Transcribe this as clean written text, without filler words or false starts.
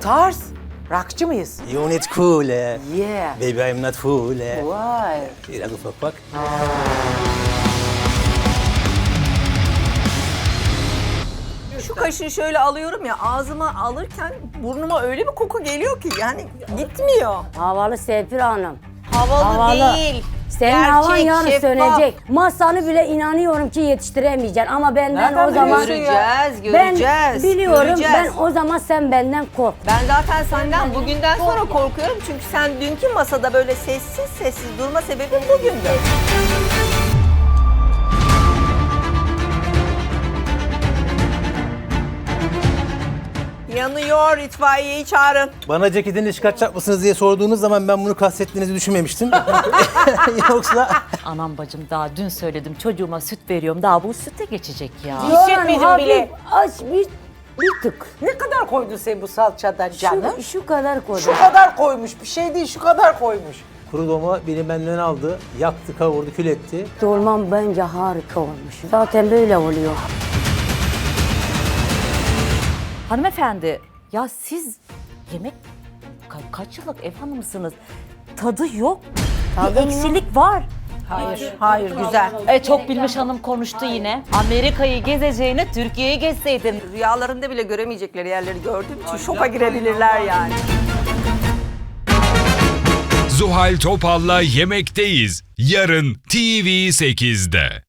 tarz. Rockçı mıyız? Unit cool. Yeah. Baby I'm not fool. Vay. Biraz ufak bak. Şu kaşığı şöyle alıyorum ya, ağzıma alırken burnuma öyle bir koku geliyor ki yani gitmiyor. Havalı Serpil Hanım. Havalı değil. Senin Gerçek, havan yarın şeffaf. sönecek. Masanı bile inanıyorum ki yetiştiremeyeceksin ama benden Nereden o zaman... biliyorsun ya? Göreceğiz. Ben biliyorum, göreceğiz. ben o zaman sen benden kork. Ben zaten senden bugünden sonra korkuyorum çünkü sen dünkü masada böyle sessiz sessiz durma sebebin bugündü. Yanıyor, itfaiyeyi çağırın. Bana ceketini çıkartacak mısınız diye sorduğunuz zaman ben bunu kastettiğinizi düşünmemiştim. Yoksa Anam bacım daha dün söyledim çocuğuma süt veriyorum daha bu süte geçecek ya. Hissetmedim Hafif bile. aç bir tık. Ne kadar koydun sen bu salçadan canım? Şu kadar koydum. Şu kadar koymuş. Bir şey değil, şu kadar koymuş. kuru doma beni benden aldı. Yaktı, kavurdu, kül etti. Dolmam bence harika olmuş. Zaten böyle oluyor. Hanımefendi ya siz yemek kaç yıllık ev hanımısınız? Tadı yok. Bir eksilik var. Hayır, güzel. Çok bilmiş hanım konuştu yine. Amerika'yı gezeceğine Türkiye'yi gezseydin. Rüyalarında bile göremeyecekleri yerleri gördüğüm için şoka girebilirler yani. Zuhal Topal'la Yemekteyiz. Yarın TV8'de.